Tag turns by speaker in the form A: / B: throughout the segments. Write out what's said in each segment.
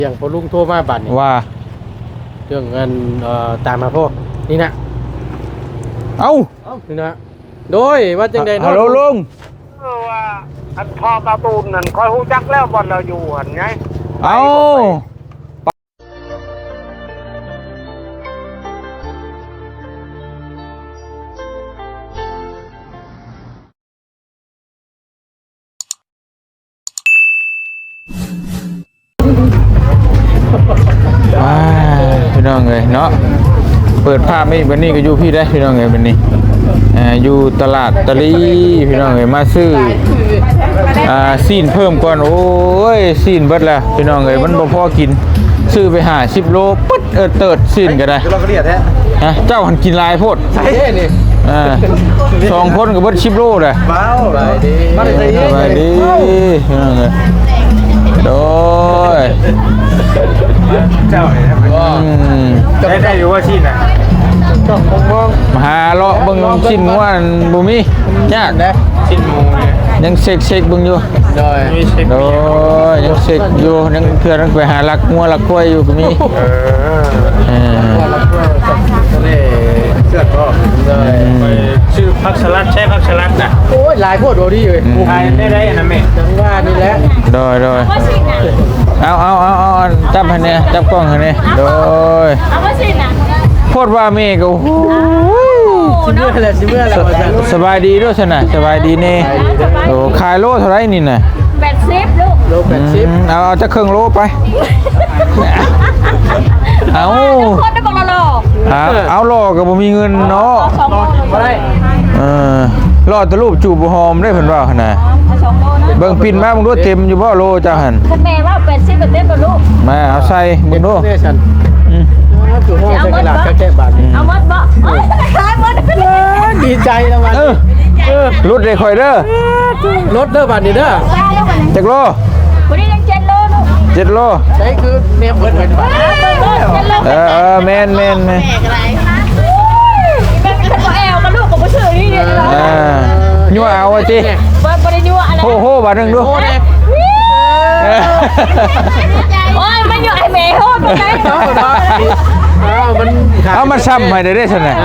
A: อย่างพอลุงโทรมาบัดนี่
B: ว่า
A: เรื่องเงินตามมาพ่อนี่นะ
B: เอ้า
A: นี่นะโดยว่าจังใดเนาะ
B: ฮัลโหลลุง
C: ว่าอันพอการ์ตูนนั่นคอยฮู้จักแล้วบ่เราอยู่หั่นไง
B: เอ้าพี่น้องเลยเนาะเปิดภาพไม่วันนี้ก็อยู่พี่ได้พี่น้องเลยวันนี้อยู่ตลาดตะลีพี่น้องเลยมาซื้อซีนเพิ่มก่อนโอ้ยซีนเบิดแล้วพี่น้องเลยมันบ่พอกินซื้อไป50 โลปึ๊ดเติดซีนก็ได้
A: เราก็เรียกแท้
B: เจ้าหันกินลายโพด
A: ใช่นี่
B: 2 คนกับเบิด10 โลเลย
A: ว้าวสบายดี
B: สบายดีพี่น้องเลยโดย
A: เจ้าได้อยู่ว่าชิ้นน่ะก็มอง
B: มาหาเลาะเบิ่งชิ้นว่าบ่มียากนะ
A: ชิ้นหมูเนี่ย
B: ยังเช็คเบิ่งอยู่
A: โดย
B: ยังเช็คอยู่ยังเพื่อนไปหาลักงัวลักควายอยู่ก็มี
A: เสื้อก็
C: ไปชื่อผักสลัดใช่ผักสลัดน่ะ
A: โอ้ยลายโคตรโดดีเลย
C: ทายได้นะแม่
A: จังว่านี่แหละ
B: โดยเอาจับให้เนี่ยจับกล้องให้เนี่ยโดยโคตรว่าเมฆก็
A: ชิเมื่อแล้ว
B: สบายดีด้วยใช่ไหมสบายดีนี่โอ้ขายโลเท่าไรนี่น่ะ
D: 80ลูก
A: โล80
B: เอาจะครึ่งโลไปเอา
D: คนได้บอกเรา
B: เอาโลก็บ่มีเงินเนาะรอดตะรูปจูบหอมได้เพิ่นว่าขนาดเบิ่งปิ่นมามึงดูเต็มอยู่บ่โลเจ้าหั่น
D: แม่ว่า80เต็มบ่ลูก
B: มาเอาใส่มึงดู
A: คือห้องจะกระดาษแค่บาท
D: เอาหมดบ่ขายหมด
A: ดีใจแล้ววัน
B: รถได้ค่อยเด้อ
A: รถเด้อบาทนี่เด้อ
B: จักโล
D: วันนี้ยัง7 โลลูก
B: 7 โล
A: ใช่คือเนมเพิ่นบาท
B: แม่น
D: แม่ก็ได้เป็นบ่แอลกับลูกก็บ่ซื้อนี่เด้อ
B: ยั่วเอาจิ
D: บ่ได้ยั่วอะไร
B: โหบาทนึงดู
D: โอ้ยมันอยู่ไอ้แม่โหดบ่ได้
B: เอามาซ้ำให้ได้ซั่นน่ะ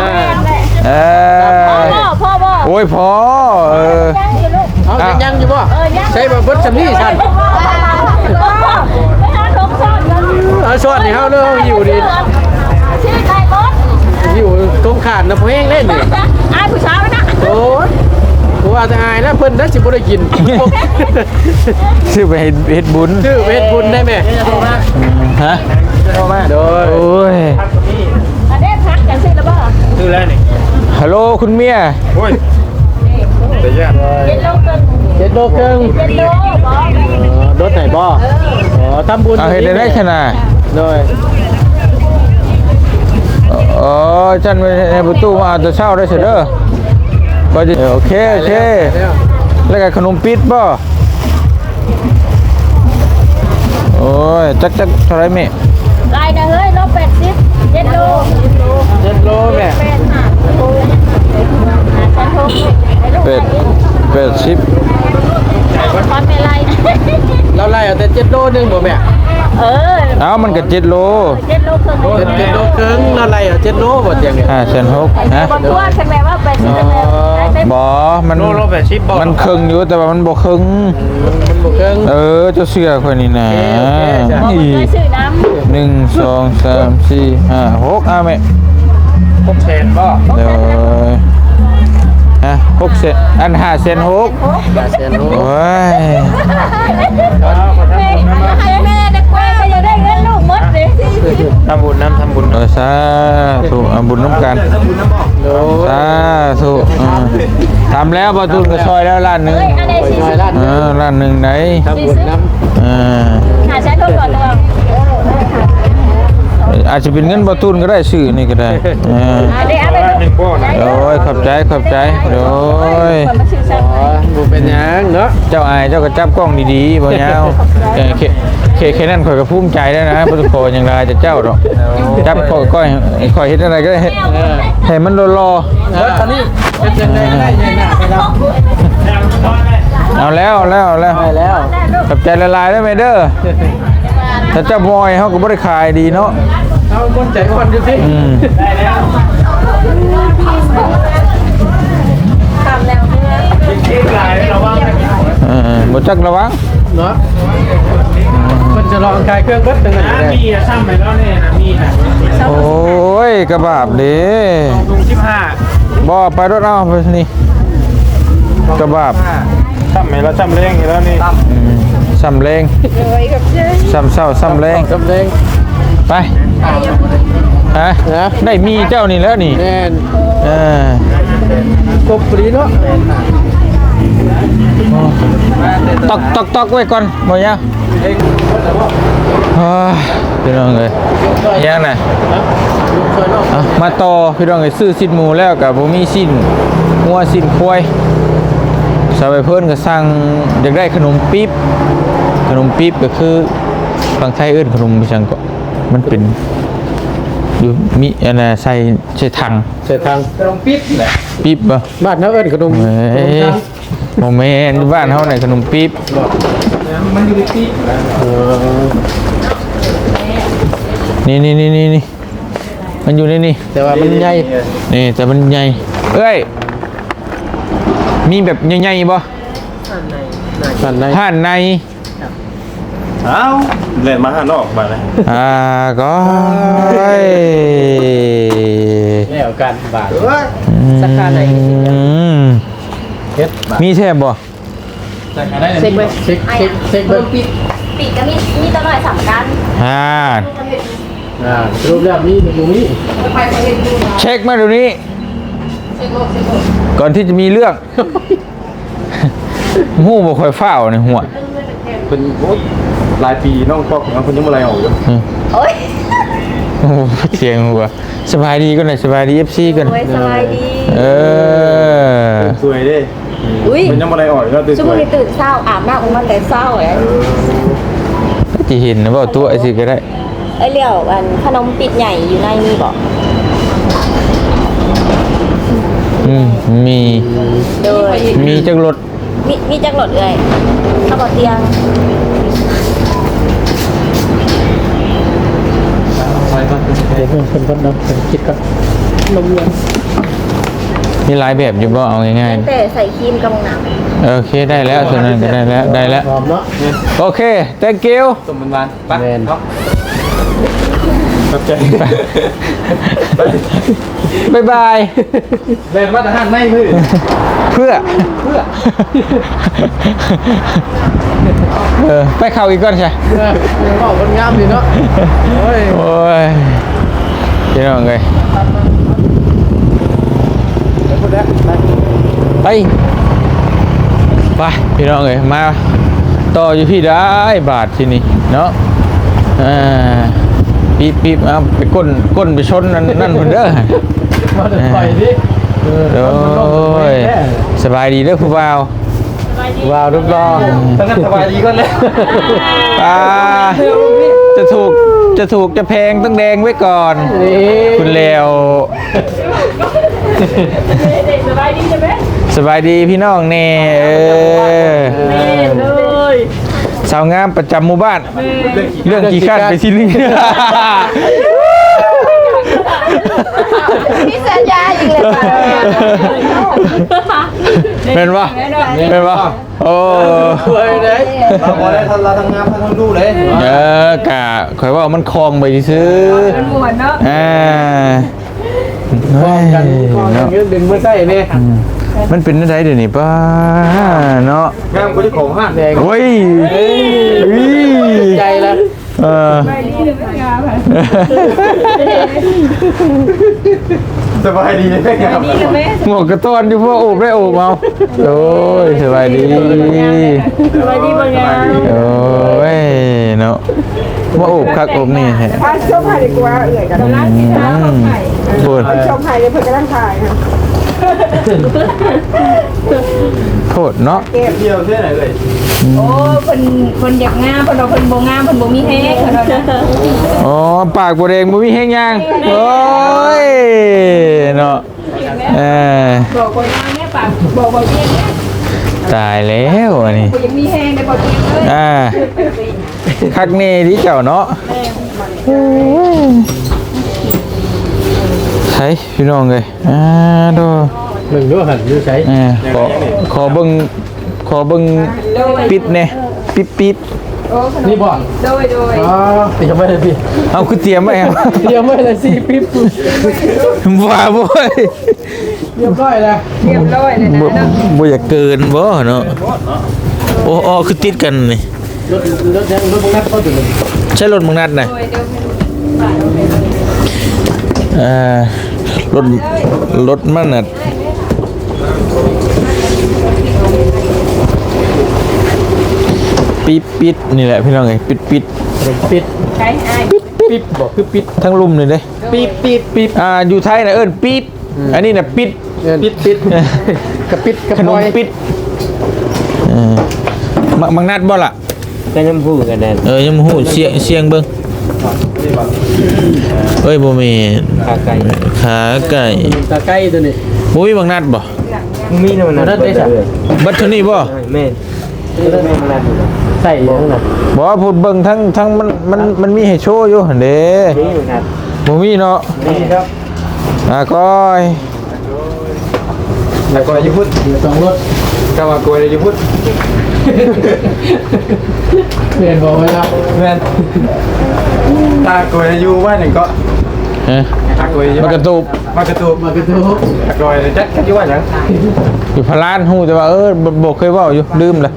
D: พ่อบ่
B: โอ้ยพอ
A: เอายังอยู่บ่ใช่บ่เบิดซำนี้ซั่นเอาชวนนี่เฮาเด้ออยู่ดิ
D: ชื่อใครบ่
A: อยู่ตรงขาดนะเพลงเล่นนี่
D: อายผู้สาวนะ
A: โอ้ยกูว่าจะอายแล้วเพิ่นได้สิบ่ได้กิน
B: ซื้อไปเฮ็ดบุญ
A: ซื้อไปเฮ็ดบุญได้แม่
B: ฮะ
A: โทรมาโดย
B: โอ้ย
D: อันนี้พักกันซื้อแล้วบ่
C: ซื้อแล้วนี่
B: ฮัลโหลคุณเมีย
C: โอ้ยแต่ยาก
A: 7 โลครึ่ง
D: บ่
A: รถไหนบ่ทำบุญ
B: เอาเฮ็ดได้ขนาด
A: โดย
B: ฉันในประตูมาจะเช่าได้เสร็จเด้อก็จะโอเคแล้วก็ขนมปิดบ่โอ้ยจักเท่าไรแม่
D: ลายนะเฮ้ย80 7 โล
A: แม่
B: 80
D: คอนไม่ไล่
A: เราไล่เอาแต่7 โลนึงบ่แม่
B: เอามันก็7 โล
D: 7 โลครึ่ง
A: 7 โลครึ่งเราไล่เอา7 โลบ่เตียงเนี่ย
B: 5,600ฮะ
D: บ่ทั่วใช่ไหมว่า80
B: บ่มัน
C: โล80บ่
B: มันครึ่งอยู่แต่ว่ามันบ่ครึ่ง
A: มันบ่ครึ่ง
B: เจ้าเสื้อคนนี้นะ1 2 3 4 5 6แม่
C: 6เซนบ่
B: เดี๋ยว6 เซนอัน5 เซน6โอ้ย
D: แม่ได้กล้วยก็จะได้เงินลูกหมดสิ
C: ทำบุญ
B: สาธุบุญน้ำกันสาธุทำแล้วประตูกระซอยแล้วล้านหนึ่งล้านหนึ่งไหน
A: ทำบุญน้ำ
D: หาใช้ทุกคนเลย
B: อาจจะเป็นเงินประตูก็ได้ซื้อนี่ก็ได้โอ้ยขอบใจโอ้ย
A: บุเป็นยังเนาะ
B: เจ้าอายเจ้าก็จับกล้องดีๆบ่ยาวแค่นั้นข่อยก็ภูมิใจแล้วนะประตูโคอย่างไรจะเจ้าดอกจับก้อยข่อยเห็นอะไรก็ได้ให้มันรอ
A: ตอนนี้เป็นยังไงได้ยังไง
B: เอาแล้วขอบใจละลายได้ไหมเด้อถ้าเจ้าบอยเขาก็บ่ได้ขายดีเนาะ
A: เอาคนใจอ่อนดูสิ ได้แล้ว
D: ทำแล้วเนี่ย
A: เค้กลายระวังนะ
B: บ่จักระวัง
A: เนาะมันจะลองคลายเครื่องเบิดตั้งแต่มีอะซ้ำไปแล้วเนี่ยนะมีนะ
B: โอ้ยกระบาบเด้
A: ลุง15
B: บ่ไปรถเอาไปนี่กระบาบ
A: ซ้ำไหมแล้วซ้ำเร่งแล้วนี่
B: ซ้ำแรงซ้ำเศร้าซ้ำแรง
A: ซ้ำเร่ง
B: ไปฮะได้มีเจ้านี่แล้วนี่
A: แน่น
B: เออก
A: บปรีเนาะ
B: ตอกไว้ก่อนบ่ยาวพี่น้องเอ้ยยังน่ะมาต่อพี่น้องเอ้ยซื้อสิ้นหมูแล้วก็บ่มีสิ้นงัวสิ้นควายสาวไปเพิ่นก็สั่งอยากได้ขนมปี๊บก็คือฝั่งไทยเอิ้นขนมบิชังก็มันเป็นอยู่มีอันน่ะใส่ถัง
A: เสร็จทางขนมปิ๊บแหละ
B: ปี๊บบ่
A: บ้านเขาเอิ้นขนม
B: เอ้ยบ่แม่นบ้านเฮาน่ะขนมปี๊บ
A: มันอยู่ในปิ๊บ
B: นี่มันอยู่ในนี่
A: แต่ว่ามันใหญ่
B: นี่แต่มันใหญ่เอ้ยมีแบบใหญ่ๆบ่
A: สั่นใน
B: ห่านใน
E: เอ้าเล่นมาหานอกมาเลย
B: ก็เ
A: แล้วกันบาท
B: สักการไหน
A: เฮ็ด
B: มีแทบบ่
A: เช็คไหมเช็คเบิ่ง
D: ปีกก็มีตัวหน่อยสำคัญ
A: สรุปแล้วมีอยู่นี่
B: เช็คมาเดี๋ยวนี้ก่อนที่จะมีเรื่องหู้บ่ค่อยฟ้าวในหัว
E: เป็นหลายปีน้องพ่อของคนยังมาอะไรออกอยู่
D: โอ้ย
B: โอ้เสียงหัวสบายดีก็หน่อยสบายดี FC กัน
D: โอ้ยสบายดี
E: สวยเด้
D: อุ้ย
E: มันยังมาอะไรออกก็ตื่น
D: ชั่ว
E: ส
D: โม
E: ว
D: ง
E: ย
D: นี้ตื่นเศร้าอาบน้ำของมันแต่เศร้าไอ้
B: จะเห็นนะบ่ตัวไอ้สิก็ได้
D: ไอ้เหลี่ยวอันขนมปิดใหญ่อยู่ในนี่บอก
B: มี
D: โดย
B: มีจักรถ
D: มีจักรหลดเลยข้าวบอเตียง
A: เดี๋ยวเพิ่นก่อนเนาะคิดก่อนลงเงิน
B: มีหลายแบบอยู่บ่เอาง่าย
D: แต่ใส่ครีมกับหนัง
B: ๆโอเคได้แล้วส่วนนั้นก็ได้แล้ว
A: พร้อมเนาะ
B: โอเค thank you
E: ต้มมันบานไป
A: แม่น
E: เนาะครับใจ
B: บ๊ายบาย
E: เล่นมาตรฐานไม่คือ
B: เพื่อไปเข้าอีกก่อนใช่
A: บอกคนงามดีเนาะโอ้ย
B: โอ้ยพี่น้องเอ้ยไปพี่น้องเอ้ยมาต่ออยู่พี่ได้บาทที่นี่เนาะปี๊บเอาไปก้นไปชนนั่นเพิ่นเด้อ
A: มาเดี๋ยวปล่อยดิ
B: โอ้ยสบายดีเด้อผู้บ่าว
A: ว้าวรูปรอตั้งแต่สบายดีก่อนเลย
B: จะถูกจะแพงต้องแดงไว้ก่อน คุณเลวสบายดีใช่ไหมสบายดีพี่น้องเน่สาวงามประจำหมู่บ้านเรื่องกี่ขั้นไปที่นี่
D: พี่สัญญาอีกเลยค่ะ
B: เป็นปะโอ้
A: สวยเลย
E: เราพอได้เราทำงานทำดูเลย
B: กะข่อยว่ามันคลองไปซื้อมันมวนเนาะ
A: คล้องกันดึงมาใส่เนี่ย
B: มันเป็นอะไรเดี๋ยวนี้ป้าเนาะ
E: งามคนที่ของห้างแดง
B: โอ้ย
A: ใจแล้ว
E: สบายดีเลยงาม
B: หมวกกระต้อนอยู่พวกโอบได้โอบเอาโอ้ยสบายดี
D: สบายดีบางอย่าง
B: โอ้ยเนาะว่าโอบคักโอบนี่แฮะ
F: ชมไผ่ดีกว่าเอื่อยกันร้านที่ร้านของไผ่
B: พูด
F: ชมไผ่เลยเพื่อนกำลังถ่ายค่ะ
B: โทษเนาะ
E: เที่ยวเที่ยวไหนเลย
D: โอ้คนอยากงามคนเราคนโบงามคนโบมีแห้งคนเรา
B: อ๋อปากบัวแดงบ่มีแห้งย่างโอ้ยเนาะ
D: บอกคนงามแม่ปากบอกเตี้ย
B: ตายแล้วอันนี้
D: ยังมีแห้งในบอกเตี้ยเลย
B: คักเน่ที่เจ้าเนาะใช่พี่น้องเลยดู
A: หนึ่งด้วยหันดูใช้
B: ขอเบิ่งปิดเนี่ยปิด
D: โอ้ขนม
A: นี่บ่
D: โดย
A: อ๋อเตรียมไว้เลยพี่
B: เอาคือเตรียมไว้ครับ
A: เตรียมไว้เลยสิปิ๊บ
B: ว่าบ่ย
A: เรียบร้อยแล้ว
D: เรียบร้อยเลยนะเนาะ
B: บ่อยากเกินบ่เนาะโอ้คือติดกันนี่
A: รถบังคับเข้าถึงเลย
B: ใช่รถมึงนัดน่ะ
D: โดยเดี๋ยวให้
B: รถมันน่ะปิดนี่แหละพี่น้องเอ้ยปิด
A: ปิด
D: ใช้อ้าย
A: ปิ๊บบอกคือปิด
B: ทั้งลุ่มเลยเด้
A: ปิ๊บ
B: อยู่ไทยน่ะเอิ้นปิดอันนี้น่ะปิด
A: ปิดกระปิดกระ
B: ขน
A: ป
B: ม
A: อย
B: ปิดมังนัดบ่ล่ะ
E: ก็ยังพูดกันแน่
B: ยังบ่ฮู้เสียงเบิ่งเอ้ยบ่แม่น
E: ขาไก่
B: ขาไก่
A: ตาใกล้ตัวนี้
B: บ่มีมังนัดบ่
E: มีนะมันนั่นได้สัก
B: บัดเท่านี้บ่
E: แม่มันนั่น
A: ใส่ยังไง
B: บ่พูดเบิ่งทั้งมันมีให้โชว์อยู่หั่นเด้
E: นี่อยู่นั่น
B: บ่มีเนาะ
E: นี่ครับ
B: ก้อย
E: แล้วก็ญี่ปุ่น
A: สองรถ
E: ก็ว่ากลัวเลยญี่ปุ่น
A: เปลี่ยนบอกไว้แล้ว
E: แม่นตากลัวอยู่ว่าหนึ่งก็
B: ฮะ
E: ตากลัวอยู่
B: มันกระตุบ
E: มากระตูบ
A: มากระทู้
E: ตากลัวเลยจักอยู่ว่าหยัง
B: อยู่พะลานฮู้แต่ว่าบ่เคยเว้าอยู่ลืมละ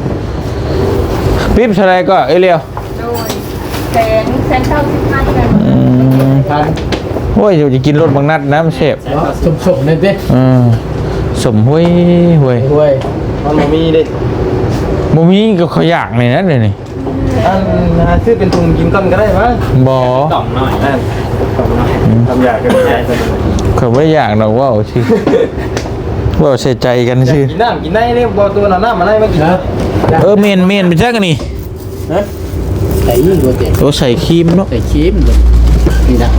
B: ปิ๊บเท่าไหร่ก็เอ้ยเลียว
D: โดยแสนเท่า15กัน
A: ทัน
B: โอ้ยอยู่จะกินรสบางนัดนะมันแซ่บ
A: สมนั่นสิ
B: สมห้วย
A: ห่วย
E: มันมีดิ
B: บ่มีก็เขาอยากเลยนะเดี๋ยวนี้
E: ซื้อเป็นถุงกินก้อนก็ได้มั้ง
B: บ่
E: ต่อมหน่อยนั่นต่อมหน่อยทำยากกันใหญ่
B: เขาบ่อยากดอกเว้าชื่อเว้าใส่ใจกันชื่อ
E: กินน้ำกินได้เนี่ยบอตัวน้ำมาได้มากิน
A: นะ
B: เมนไปจักกันนี่
A: ใส่ยิ่งกว่าเด็ก
B: โอ้ใส่ครีมเนาะ
A: ใส่ครีมนี่นะ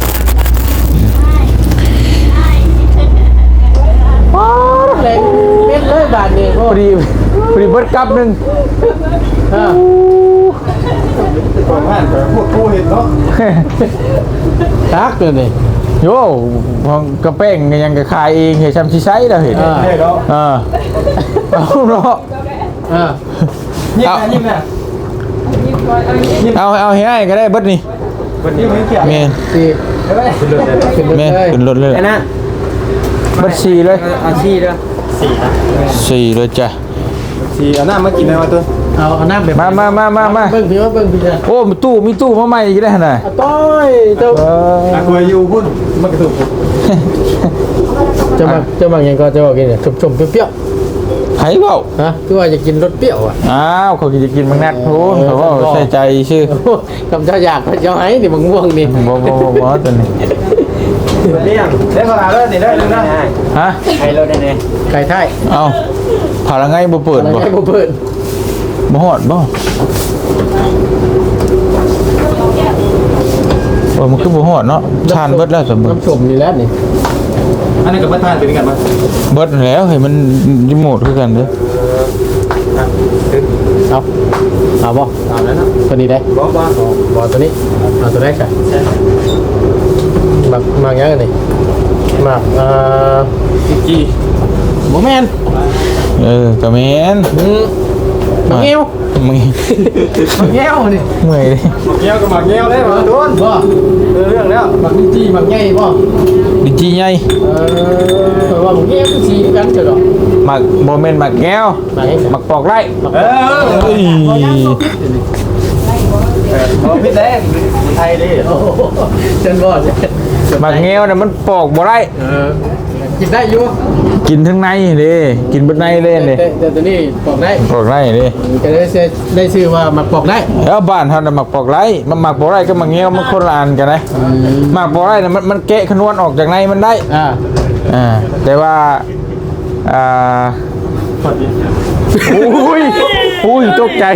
A: แรงเป็นเลยบาทนี่
B: พอดีเบิดกับนึง
E: ก่อนผ่านพวกกูเห็นเนาะ
A: ตักเลยนี่
B: โยของกระเป้งก็ยังก็ขายเองเฮ็ดซ้ำสิใช้แล้วเห็น
E: เนี่ยเนาะ
B: เอาเนาะ
E: ยิ้มนะยิ้มนะ
B: เอาให้อ้ายก็ได้เบิดนี่
E: วันนี้ไม่เกี่ยว
B: แม่น
A: สี่
E: ขึ้นรถเลย
A: ขึ้นรถ
B: แม่น
A: เลย
B: ขึ้นรถเลย
E: ไอ้นั่น
B: เบิดสี่เลย
E: อาชีพเด้อ4
B: 4เลยจ้ะ
E: 4เอาน้ำมากินได้มาตัว
A: เอาน้ำแบบ
B: มา
A: เบิ้งพี่ว่าเบิ้งพี่จะ
B: โอ้มีตู้มาใหม่อีกได้วหั่นน่ะ
A: ต้อยเจ้า
E: อากูอยู่พุ่นมันกระตุก
A: จะมาอย่างก็จะบอกกินเนี่ยชมเปรี้ยว
B: ไผเว้า
A: ๆฮะคือว่าจะกินรสเปรี้ยวอ่ะ
B: อ้าวเขาจะกินมังนัดโพนเขาว่าใส่ใจชื่อ
A: คำเจ้าอยากเขาจะให้นี่มังม่วงนี่
B: บ่ตัวนี้
E: เลี้ยงได้พอแล้วนี่ได้แล้วนะ
B: ฮะ
E: ใครเราได้แน่
A: ไก่ไทย
B: เอาผ่าละไงบ่เปิด
A: อะไร
B: บ่
A: ให้บ่เปิด
B: บ่ฮอดบ่มันคือบ่ฮอดเนาะทานเบิดแล้วสมมุติ
A: น้ำส้มนี่แล้วนี่
E: อันนี้กับประธานเป็นกันมั้ย
B: เบิดแล้วให้มันรีโมทคือกันเด้อ
A: เอาบ่
E: เอาแล้วนะ
A: ตัวนี้ได้
E: บอกว่า
A: บ่ตัวนี้เอาตัวแรกใส่หมักยังไงนี่หมัก
E: จี
A: บ่แม่น
B: ก็แม่น
A: หมักเงี้ยว
B: มึง
A: หมักเงี้ยวนี่
B: เมื่อยดิ
E: เงี้ยวกับหมักเงี้ยวได้มาโดน
A: บ่
E: เรื่องแล้ว
A: หมักจี้หมักใหญ่บ่
B: ดิจีใหญ่
A: ว่าหมักเงี้ยวคือสีกันเถอะดอก
B: มักบ่แม่นมักแก้ว
A: หมักให้
B: มักปอกไร่
E: เออ
B: เอ้ย
E: พี่แดงไทยดิ
A: โอ้โหเจนบ่
B: มักแก้วน่ะมันปอกบ่ได้
A: กินได้อยู่
B: กินทั้งในเด้กินเบิดในเล่นเด้
A: แต่ตัวนี้ปอกได้
B: ปอกไร่เด้
A: ก็ได้ชื่อว่าหมักปอกได้
B: แล้วบ้านเฮาน่ะมักปอกไร่มันมักปอกไร่กับมักแก้วมันคนละอันกันนะมักปอกไร่น่ะมันแกะขนวนออกจากในมันได้ แต่ว่าอุ้ยตกใจ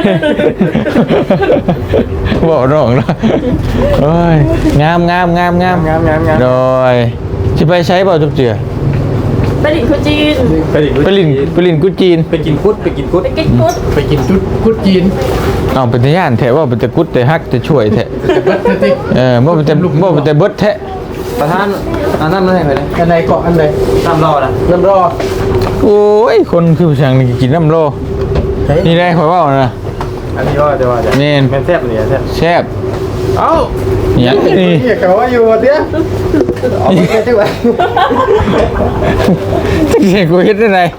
B: บอกน้องนะเอ้ยงามโดยสิไปใช้เปล่าจุ๊บเจือ
D: ไปดิคุจีน
B: ไปลินกุจีน
E: ไปกินพุทธไปกินพุทธ
D: ไปกินกุ๊ด
A: ไปกินชุดคุดจีน
B: เอาเป็นย่านแท้ว่าเป็นตะกุดแต่ฮักจะช่วยแท้บ่เป็นแต่เบิดแท้
E: ประธานอันนั้นนั่นไงเลยอันไหนเกาะอันไหนน้ำรอนะน้ำรอ
B: โอ้ยคนคือผู้ช่างนี่กินน้ำโลนี่ได้ข่อยว่านะ
A: อันนี้ก็จะว่าจะ
B: แม่น
A: แม่นแซ่บเลยแซ่บ
B: แซ่บ
A: เอ้า
B: เนี่ยนี่
A: เนี่ยเขาว่าอยู่เตี้ยเอาไปแค่ที่ไหน
B: จะเก่งกูเฮ็ดได้ไง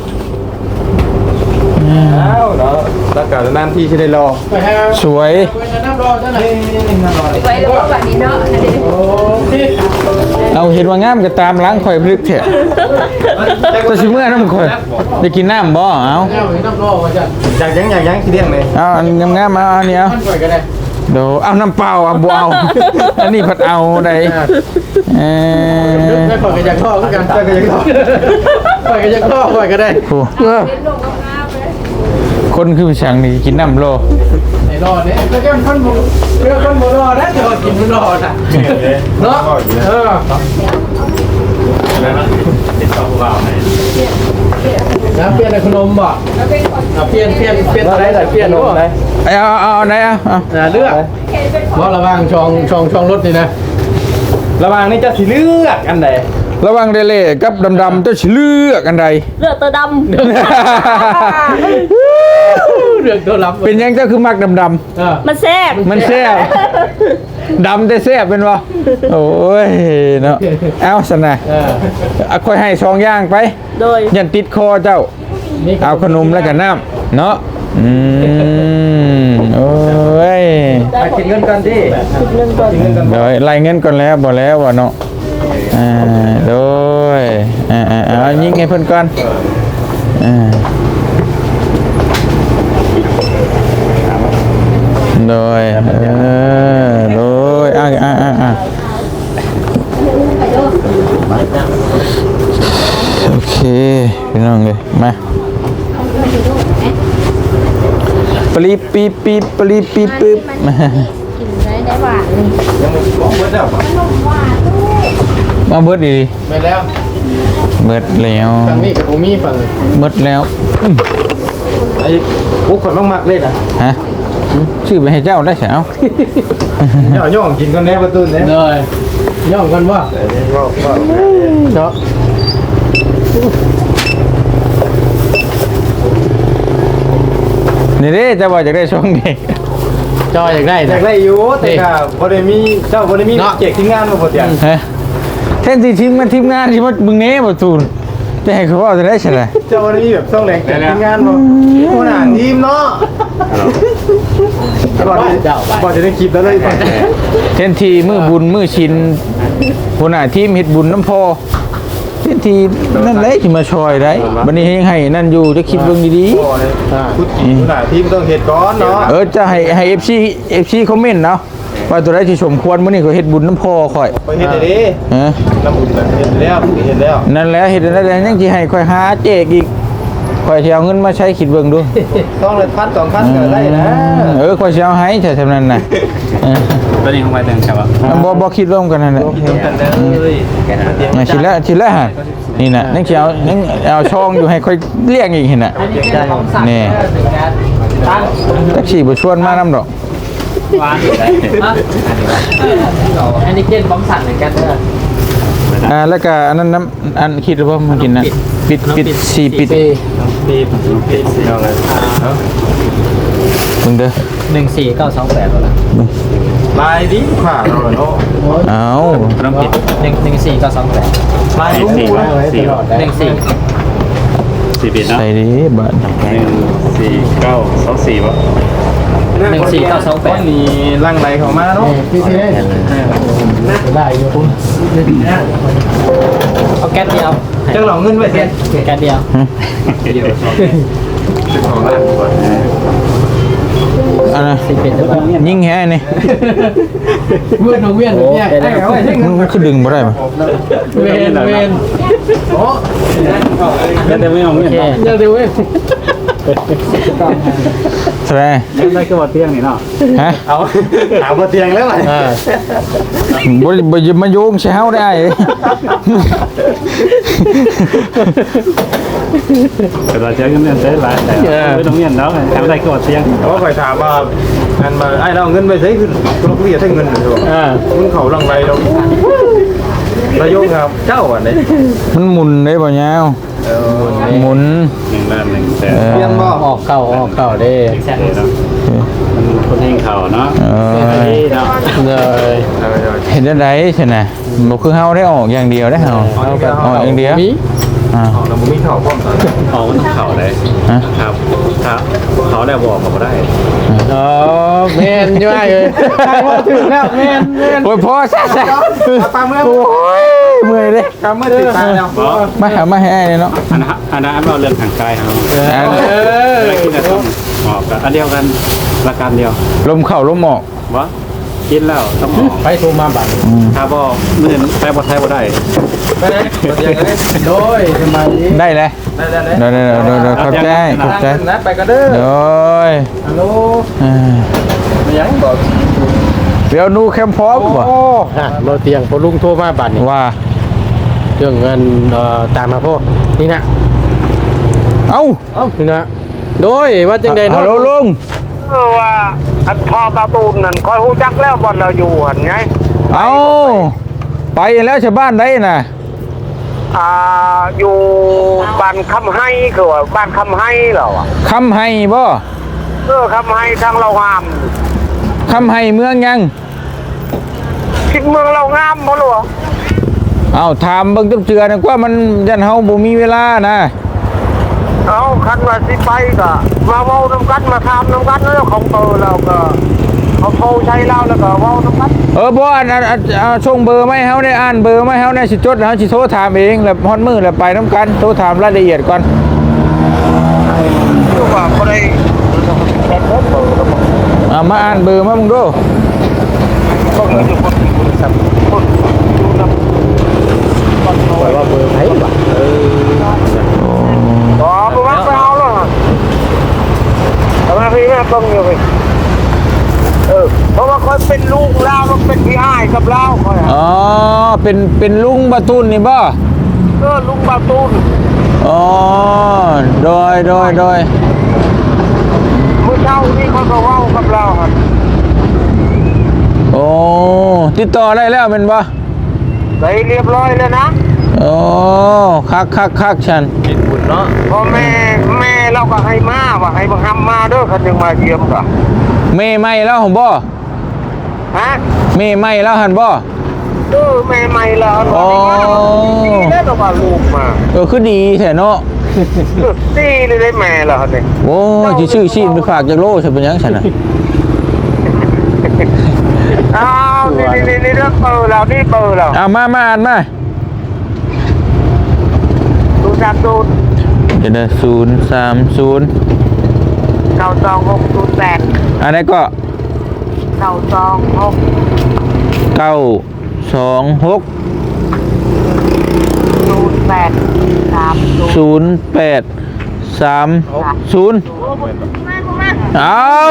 A: เอ้าเนาะแล้วก็นานที่จะได้รอ
B: สวย
D: ไว้แล้วแบบนี้เนาะนั่นเอง
B: เอาเห็นว่างามก็ตามล้างข่อยพลึกเถอะตัวชิเมื่อน้ำข่อยได้กินน้ำบ่เอา
A: อยากยังที่เรียงเลย
B: เอาอันงามๆมาเอาอันนี้เอาเดี๋ยวเอาน้ำเปล่าเอาบ่เอาอันนี้ผัดเอาได้
E: ปล่อยกันจากท่อกันปล่อยกันจากท่อปล่อยกันจากท่อปล่อยกันได้
B: โอ้คนคือช่างนี่กินน้ำโล
E: ไหนรอเนี่ยแล้วก็คนบุเรื่องคนบุรอนะจะกินบุรอนะเนาะนะเปลี่ยนขนมบ่เปลี่ยนอะไรแต่เปลี่ยนขนมอะไร
B: เอาไหนเอา
E: เลือกว่าระวังช่องรถนี่นะระวังนี่จะสิเลือกอันไหน
B: ระวังเดเล่กับดำๆเจ้าสิเลือกอันใด
D: เลือดตัวดำ
E: เรื่องตัวรับ
B: เป็นยังเจ้าคือมักดำ
D: มันแซ่บ
B: มันแซ่บดำแต่แซ่บเป็นวะโอ้ยเนาะเอาสนะค่อยให้ซองย่างไป
D: โดย
B: ยันติดคอเจ้าเอาขนมแล้วก็น้ำเนาะโอ้ย
E: ไปกินเงินกันดิ
B: เดี๋ยวไล่เงินก่อนแล้วบอกแล้วว่าเนาะโดยเอายิงให้เพิ่นก่อนโดยโดยโอเคพี่น้องเลยมาปลีปีปีปลีปีปึ๊บ
D: กินได้หวาน
B: มาเบิดดี
E: ไปแล้ว
B: เบิดแล้ว
E: ฝั่งนี้กับผมมีฝั่ง
B: เบิดแล้ว
E: ไอ้พวกคนมากๆเลยนะ
B: ฮะชื่อไปให้เจ้าได้เสียว
A: ย่องกินกันแน่ประตูเนี่ย
E: เลยย่องกันว่าเนาะ
B: นี่เด้จะว่าจะได้ช่องเด็ก
E: จอยอยากได้
A: อยากได้อยู่แต่ก็บ่ได้มีเจ้าบ่ได้มีเจกที่งานมาบ่เตียง
B: ฮะแทนที่ทีมงานที่ว่ามึงเน่บ่ตูนจะให้เขาว่าจะได้ใช่ไหม
A: เจ้าบ่ได้มีแบบต้องแรงเจกที่งานบ่ผู้หน้าทีมเนาะบ่จะได้คลิปแล้วเลย
B: แทนที่มือบุญมือชินหัวหน้าทีมเฮ็ดบุญน้ำพอแทนที่นั่นแหละที่มาช่วยได้บัดนี้ให้นั่นอยู่จะคิดเบิ่งดีๆ
A: ผู้หน้าทีมต้องเฮ็ดก่อนเนาะ
B: จะให้ FC คอมเมนต์เนาะว่าตัวใดที่สมควรมื้อนี้ก็เฮ็ดบุญน้ำพอข่อย
A: ไปเฮ็ดได้ดิ
B: ฮะ
A: น้ำบุญเฮ็ดแล้ว
B: นั่นแหละเฮ็ดได้ยังสิให้ข่อยหาเจกอีกข่อยสิเอาเงินมาใช้คิดเบิ่งดู
A: ต้องเลยพัน2,000ก็ได้นะ
B: ข่อยสิเอาให้ใช่นั้นน่ะ
E: ตอนนี้ของไปแต่งใช่ปะ
B: บ่คิดร่วมกันนั่นแหละ คิดแล้วฮะนี่น่ะยังสิเอาช่องอยู่ให้ค่อยเลี้ยงอีกเห็นน่ะนี่จักสิบ่ชวนมานำดอก
E: หวานอันนี้เกณฑ์บอมสั่นเหมือนกันเด้อ
B: แล้วก็อันนั้นน้ำอันคิดว่ามันกินนะปิด4ปิด
A: เอาเลย
B: มึงเด้อ
E: 14928แล้วล่ะ
A: ลายดิผ่าเราเนาะ
B: เอา
E: ต้องผิด14928
A: ลายรู้นะ
B: ใส่ดิบัด
E: 14928
A: นี่ลังไหลเข้ามาเนาะ
E: พี่ได้อยู่คุณเอาแก๊สเดียว
A: จังหลอกเงินไว้เสีย
E: แก๊สเดียว
A: ของร้านก่อน
B: อันน่ะยิงแฮนี่
E: เวียนเนี่ย
B: มันคือดึงบ่ได้ป่ะ
E: เวนโอ้ยังเดี๋ยวไม่เอาเวียนยังเดี๋ยวเว้ย
B: แสดง
E: ได้ก็ว่าเตียงนี่เนาะ
B: ฮะ
E: เอาถามว่าเตียงแล้วไหม
B: บ่อย่ามาโยงใส่เฮาได้
E: แต่เราเจอกันเนี่ยได้หลายแต่ไม่ต้องเงียบแล้วถามได้ก็ว่าเตียง
A: เขาคอยถามว่าอันมาไอ้เราเงินไปใช้ขึ้นลูกเรียใช้เงินหรือเปล่ามึงเขาลังไรเราระยงครับเจ้าอันนี้
B: มันหมุนได้บ่ยาวหมุน
E: 1 ล้าน 1 แสน
A: เรียงบ่
E: ออกเข่าได้มันคนให้เข่าเนาะเนาะเลย
B: เห็นได้ไดใช่น่ะบ่คือเฮาได้ออกอย่างเดียวได้เฮาออกอย่างเดียวอ่า
A: เราไม่เข่าพร้อมกัน
E: ออกมันเข่าได้
B: ฮะ
E: ครับเขาได้บอกเขาได้
B: อ๋อแม่นอยู่ว่าเลยถึงแล้วแม่นโอ้ยพอซะๆ
A: ปลาเมื่อ
B: โอ้ยเมื่อยเลย
A: ปลาเมื่อติดตายแล้ว
B: มาให้อ้ายเนาะ
E: อันนั้นเราเรื่องทางกายเขากินแต่ต้องหมอกอันเดียวกันประการเดียว
B: ลมเข้าลมออก
E: วะกินแล้วต้องหมอกไปโทรมาบัตรถ้าบ่เมื่อใช้บ่ใช้บ่ได้
A: ไปไหนอย่างนี้
E: โดยทำไม
B: ได้เลย
A: ได้
B: เดี๋ยวขอบใจขอบใจ
A: นะไปกันเด้อ
B: เดี๋ยว
A: ฮัลโหล
E: ไม่ยังบอก
B: เดี๋ยวนูแคมพร้อมป่ะ
E: เราเตียงพอลุงโทรมาบัตรนี่
B: ว่า
E: เรื่องเงินตามมาพ่อนี่นะ
B: เอ้า
E: นี่นะโดยว่าจังใด
B: ฮัลโหลลุง
C: ว่าอันพ่อตาตูนนั่นคอยฮู้จักแล้วบ่เราอยู่หั่นไง
B: เอ้าไปแล้วชาวบ้านได้น่ะ
C: อยู่บ้านคำให้คือว่าบ้านคำให้เหรอวะ
B: คำให้บ่
C: คำให้ทางเรางาม
B: คำให้เมืองยัง
C: คิดเมืองเรางามบ่หรอ
B: เอ้าถามเบิ่งตุ๊บเจือนะว่ามันยันเฮาบ่มีเวลานะ
C: เอาคันว่าสิไปก็มาเว้าน้ำกันมาถามน้ำกันแล้วของเตอเราก็เขาโทรใช้เราแล้วก็เว้าน้ำกัน
B: บ่อันส่งเบอร์มาให้เฮาได้อ่านเบอร์มาให้เฮาได้สิจดแล้วเฮาสิโทรถามเองแล้วฮอดมื้อแล้วไปนํกันโทรถามรายละเอียดก่อน
C: คือว่าบ่ได้แค่เบอร์แล้วบ่
B: มาอ่านเบอร์มามึงดู
C: ก็เลยอยู่คนสับคนอยู่นำคนโทรว่าเบอร์ไหนวะบ่ว่าไปเอาแล้วทำไมพี่แม่ต้องอยู่ไปเพราะว่าเขาเป็นลูกเราต้องเป็นพี่อ้ายกับเราเขา
B: อ๋อเป็นลุงบะตุนนี่บ่
C: ลุงบาตูน
B: อ๋อโดย
C: เมื่อเช้านี่เขาก็เว้ากับเราครับ
B: โอ้ติดต่อได้แล้วเป็นบ่
C: ไปเรียบร้อยแล้วนะ
B: โอ้คักฉัน
A: กินบุญเนาะ
C: พอแม่เราก็ให้มาว่าให้บังคับมาเด้อคันยังมาเยี่ยมก็
B: เมย์ไม่แล้วหั่นบ่
C: ฮะ
B: เมย์ไม่แล้วหั่นบ่
C: แม่ใหม่แล้ว
B: อ๋อ
C: แล้วก็ว่าลูกมา
B: คือดีแท้เนาะ
C: ตีเลยได้แม่แล้วนี่
B: โอ้สิชื่อชีพไปฝากจากโลใช่เป็นหยังฉันน่ะ
C: อ้าวนี่เรื่องเบอร์เรานี่เบอร์เรา
B: มาอ่านมา
C: ดูจากดู
B: เดี๋ยวนะ030
C: 92608
B: อันนี้ก็
C: 926
B: 926 0830เอา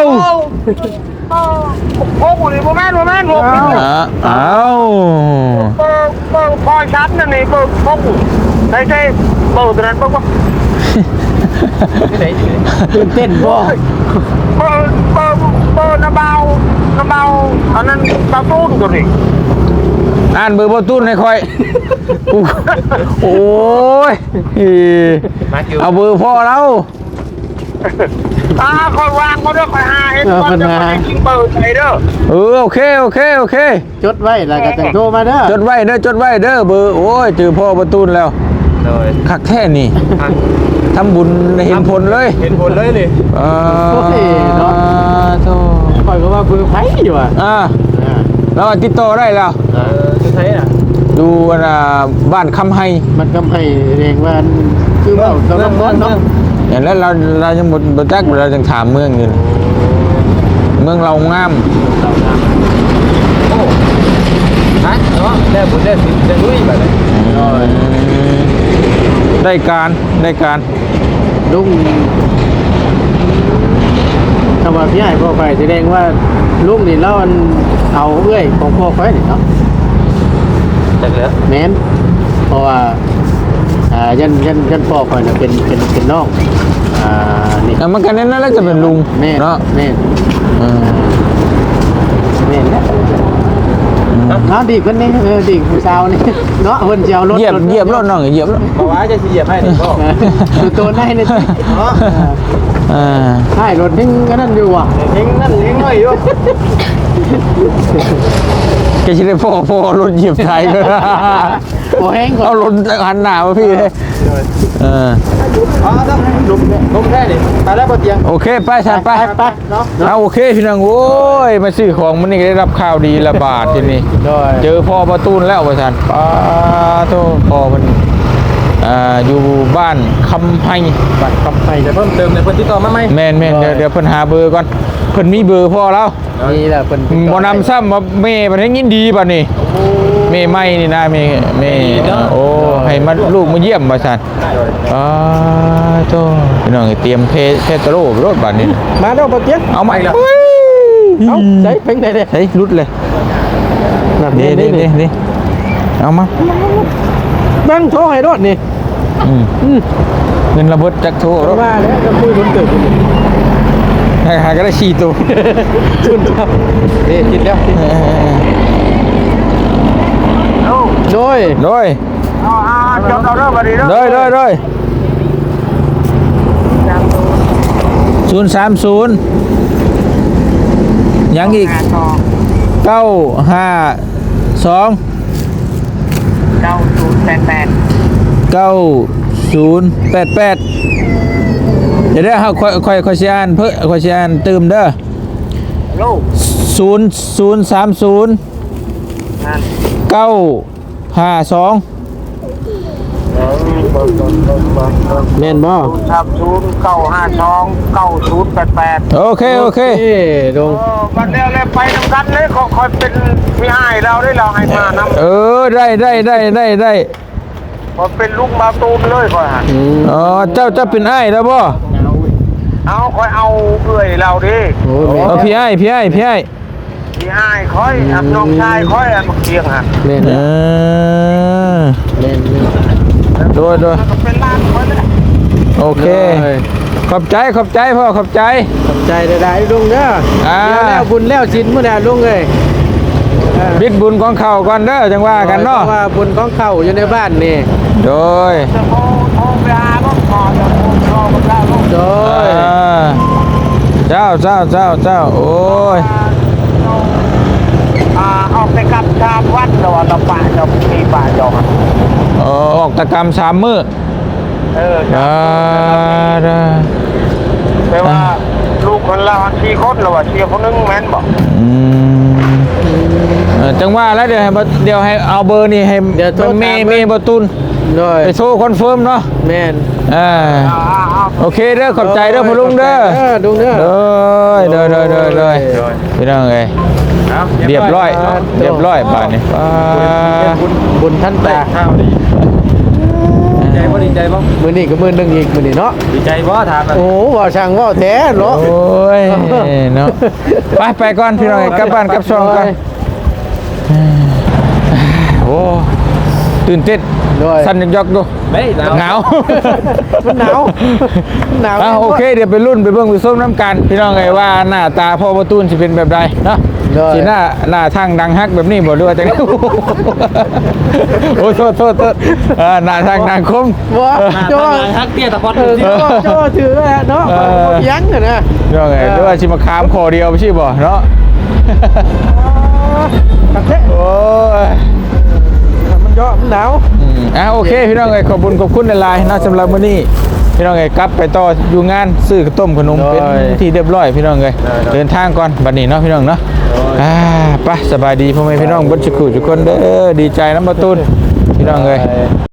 C: โอ้โหนี่บ่แม่นบ่
B: เอา
C: เบิ่งพอชัดนั่นนี่เบิ่งพงได้ใช่เบิ่งตัวนั้นเบิ่งว่า
E: ตื่นเต้นบ่
C: เบิ่งน้ำเบาอันนั้นตาตุ้นตัวนี้
B: อ่านเบอร์บอตุ้นให้ค่อยโอ้ยเอาเบอร์พ่อเรา
C: คอยวางเขาด้วยคอยหาเห็นก่อนจะไปกินเบอร์ใส่เด้อ
B: โอเค
E: จดไว้แล้วก็จะโทรมาเด้อ
B: จดไว้เด้อเบอร์โอ้ยเจอพ่อบอตุ้นแล้ว
A: เลย
B: คักแค่นี่ทำบุญเห็นผลเลย
A: เห็นผลเลยนี่
B: โอ้ยเนาะโธ่
E: คอยก็ว่าเบอร์ไผอยู่อ่ะ
B: แล้วติดต่อได้แล้ว
A: จะใช้น่ะ
B: ดูบ้านคำไฮ
E: มันก็ให้เองว่าคือเว้าเราต้องเนาะ
B: อย่างนั้นเรายังบ่จักเรายังถามเมืองอยู่เมืองเรางาม
A: โอ้ฮะเนาะได้บุญได้สิได้ลุยแบบนี้
B: ได้การ
E: ลุงำว่าพี่ใหญ่พ่อไปแสดงว่าลูกนี่แล้วมันเอาเอื้อยของพ่อไปนี่เนาะ
A: จักแล้ว
E: แม่นเพราะว่ายันพ่อไปน่ะเป็นน้องนี่
B: มันกันนั้นแล้วจะเป็นลุง
E: แม่
B: เนาะ
E: แม่
B: เออ
E: แม่นแล้วน้องดีคนนี้ดีผู้สาวนี่เนาะเพิ่นสิเอารถ
B: เหยียบรถน้องเหยียบรถ
A: บ่ว่าจะสิเหยียบให้นี่พ่อ
E: คือตัวไหนนี่
A: เนาะ
E: ใช่รถทิ้งก็นั่นอยู่อ่ะ
A: ทิ้งนั่นทิ้งหน่อยอยู่
B: แกจะได้พ่อรถเหยียบไทยก็
E: โอ้แห้งก่อน
B: เอารถหันหน้ามาพี่เลย
A: ต้องลุกแค่นี้ไปแล้วบ่เตียง
B: โอเคไปชันไป
E: ไปเนาะ
B: เอาโอเคพี่น้องโอ้ยมาซื้อของมันนี่ได้รับข่าวดีละบาททีนี้
E: ด้วย
B: เจอพ่อประตูนแล้วประชันป้าโตพ่อมันอยู่บ้านคำไฮ
A: บัตรคำไปจะเพิ่มเติมในพื้นที่ต่อมาไหม
B: แม่นเดี๋ยวเพิ่นหาเบอร์ก่อนเพิ่นมีเบอร์พ่อแล้ว
E: นี่แหละเป็น
B: บ่นำซ้ำว่าแม่มันให้ยินดีป่ะนี่แม่ไม่นี่นะแม่โอ้ให้มาลูกมาเยี่ยมประชันโตพี่น้องเตรียมเพตโรรถบัดนี้
E: มาแล้วปะเจี๊ยบ
B: เอาใหม่ละ
E: เอาใส่เป็นไงเด้
B: เฮ้ยรุดเลย
E: นั่น
B: นี่
E: นี่
B: เอามา
E: นั่งโทรให้รถนี่
B: เงินระเบิดจากโทรรถ
E: มาแล้วจะคุยคนเกิด
B: หาก็ได้4ตัว
E: ชุนครับนี่กินแล้วโดย
B: โดย
C: จบเราเริ่มมาดีแล้ว
B: โดย030ยังอีก952
C: 9088
B: 9088เดี๋ยวเฮาค่อยสิอ่านเพิ่นค่อยสิอ่านเติมเด้อ
C: โลก
B: 0030
C: นั่น
B: 952
E: แม่นบ่
C: 3095299088
B: โอเค
E: ดง
C: วันเดียวเลยไปนำกันเลยคอยเป็นพี่อ้ายเราได้เราให้มานำ
B: ได้
C: พอเป็นลูกมาตูมเลยคอยหัน
B: อ๋อเจ้าเป็นอ้ายแล้วบ่
C: เอาคอยเอาเอื่อยเราดิ
E: โอ้แม่
B: เอาพี่อ้าย
C: พี่อ้ายคอยอับน้องชายคอยอันเคียงหัน
E: แม่น
B: เออ
E: แม่น
B: โดย
C: แล้วก็เป็นล้านคนเลย
B: โอเค ขอบใจพ่อขอบใจ
E: ขอบใจได้ลุงเด้อแล้วบุญแล้วชิ้นมื้อน่ะลุงเอ้ย
B: บิดบุญของเขาก่อนเด้อจังว่ากันเนาะ
E: ว่าบุญของเขาอยู่ในบ้านนี่
B: โดย
C: จะโทรไปหาลูกพ่อจะโทรกับเราลูก
E: โดย
B: เจ้าโอ้ย
C: ออกไปกับชามวัดเราเราป่าเรามีป่าจอก
B: ออกตะกรรม3 มื้อ ได้
C: แปลว่าลูกคนเรา4 คนเราว่าเชียร์คนนึงแม่นบอก
B: จังว่าแล้วเดี๋ยวให้เอาเบอร์นี่ให้เมย์ประตูน
E: โดย
B: ไปโชว์คอนเฟิร์มเนาะ
E: แม่น
B: โอเคเด้อขอบใจเด้อพ่อลุงเด้อ
E: ลุงเด้อ
B: โดยพี่น้องเอ้ยเรียบร้อยบาดนี้
E: บุญท่านตา
A: ข้าวดีดีใจบ่
E: มื้อนี้ก็มื้อนึงอีกมื้อนี้เนาะ
A: ดีใจบ่ถามนะ
E: โอ้ว่าช่างว่าแท้เนาะ
B: โอ้ยเนาะไปก่อนพี่น้องกลับบ้านกลับช่องกันโอ้ตื่นเต้นสั่นยอกๆดู
A: ไม่หนาว
E: มันหนาว
B: โอเคเดี๋ยวไปรุ่นไปเบิ่งไปส้มน้ำกันพี่น้องเอ้ยว่าหน้าตาพ่อประตูนสิเป็นแบบใดเนาะสิหน้าทางดังฮักแบบนี้บ่ด้วยจังได๋โอ้โทษหน้าทางดังคม
E: ว่าจ้อ
A: ฮักเตี้ยตะพอด
E: จ้อถือแล้วเนาะยังน่ะนะ
B: พี่น้องเอ้ยด้วยสิมาค้ามคอเดียวบ่ใช่บ่เนาะ
E: ตักแท้
B: โอ้ย
E: มันย่อมันหนาว
B: โอเคพี่น้องเอ้ยขอบคุณหลายๆนะสำหรับมื้อนี้พี่น้องเอ้ยกลับไปต่ออยู่งานซื้อข้าวต้มขนมเป็นที่เรียบร้อยพี่น้องเอ้ยเดินทางก่อนบัดนี้เนาะพี่น้องเนาะไปสบายดีพ่อแม่พี่น้องเบิดทุกคนเด้อดีใจน้ำประตูนพี่น้องเอ้ย